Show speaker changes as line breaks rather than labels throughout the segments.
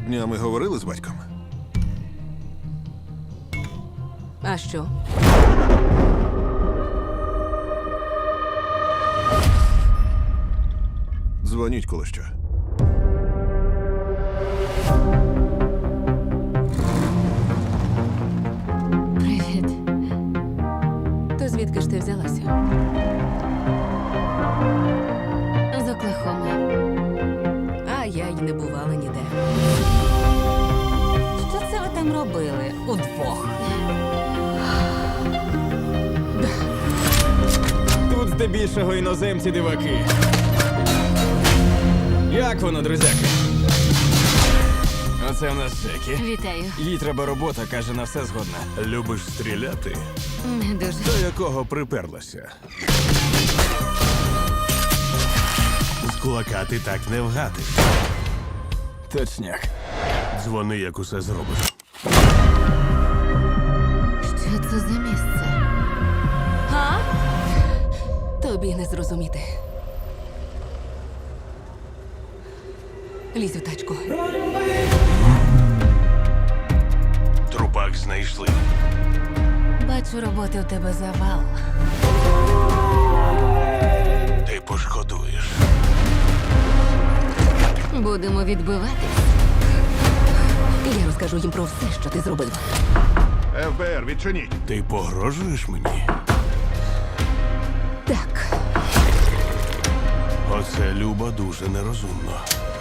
Днями говорили з батьком?
А що?
Дзвоніть, коли що.
Привіт. То звідки ж ти взялася? З Оклахоми. А я й не бувала ніде.
Що це ви там робили удвох?
Тут здебільшого іноземці диваки. Як воно, друзяки? Оце в нас Джекі.
Вітаю.
Їй треба робота, каже, на все згодна.
Любиш стріляти?
Не дуже.
До якого приперлася?
З кулака ти так не вгати.
Точняк.
Дзвони, як усе зробиш.
Що це за місце?
А? Тобі не зрозуміти. Лізь у тачку.
Трупак знайшли.
Бачу, роботи у тебе завал.
Ти пошкодуєш.
Будемо відбиватись.
Я розкажу їм про все, що ти зробив.
ФБР, відчиніть!
Ти погрожуєш мені?
Так.
Оце, Люба, дуже нерозумно.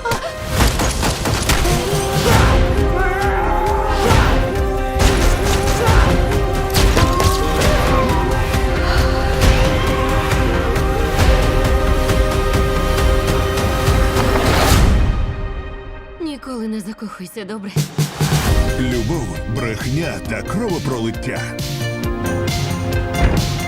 Ніколи не закохуйся, добре?
Любов, брехня та кровопролиття.